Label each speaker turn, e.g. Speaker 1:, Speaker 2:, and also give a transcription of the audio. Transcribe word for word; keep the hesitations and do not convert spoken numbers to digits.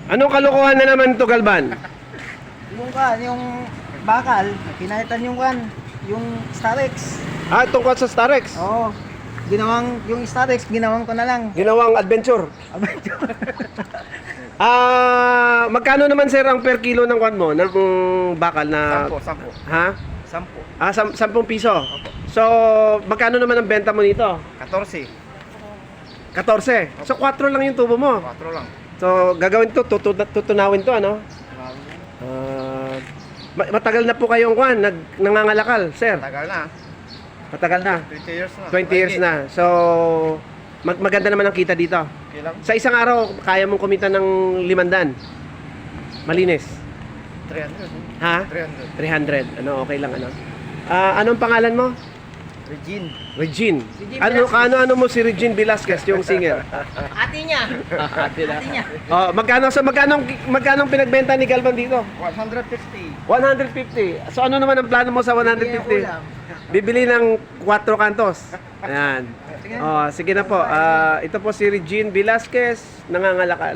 Speaker 1: Anong kalokohan na naman to, Galban?
Speaker 2: Yung kan, yung bakal, pinalitan yung kan, yung Starex.
Speaker 1: Ah, tungkol sa Starex.
Speaker 2: Oo. Ginawang, yung Starex, ginawang ko na lang.
Speaker 1: Ginawang adventure. Ah, magkano naman sir ang per kilo ng kwan mo ng bakal na
Speaker 3: Sampo, sampo.
Speaker 1: ha?
Speaker 3: Sampo.
Speaker 1: Ah, sam sampung piso. So, magkano naman ang benta mo nito?
Speaker 3: Katorse.
Speaker 1: fourteen. So, four lang yung tubo mo.
Speaker 3: Kwatro lang.
Speaker 1: So, gagawin to, tutu tutunawin to, ano? Ah, ma- matagal na po kayong kwan, nag nangangalakal, sir.
Speaker 3: Tagal na.
Speaker 1: Matagal na.
Speaker 3: twenty years na.
Speaker 1: twenty years na. So, mag maganda naman ang kita dito.
Speaker 3: Okay lang.
Speaker 1: Sa isang araw, kaya mong kumita ng limandaan. Malinis.
Speaker 3: three hundred.
Speaker 1: Ha?
Speaker 3: three hundred.
Speaker 1: three hundred. Ano, okay lang ano. Ah, anong pangalan mo?
Speaker 3: Regine.
Speaker 1: Regine.
Speaker 2: Regine
Speaker 1: Ano
Speaker 2: Velasquez.
Speaker 1: ano ano mo si Regine Velasquez, yung singer?
Speaker 2: Ate niya. Ate niya.
Speaker 1: Oh, magkano sa magkano magkano pinagbenta ni Galvan dito?
Speaker 3: one fifty.
Speaker 1: one fifty. So ano naman ang plano mo sa one fifty? Bibili ng quattro kantos. Ayan. Oh, sige na po. Ah, ito po si Regine Velasquez, nangangalakal.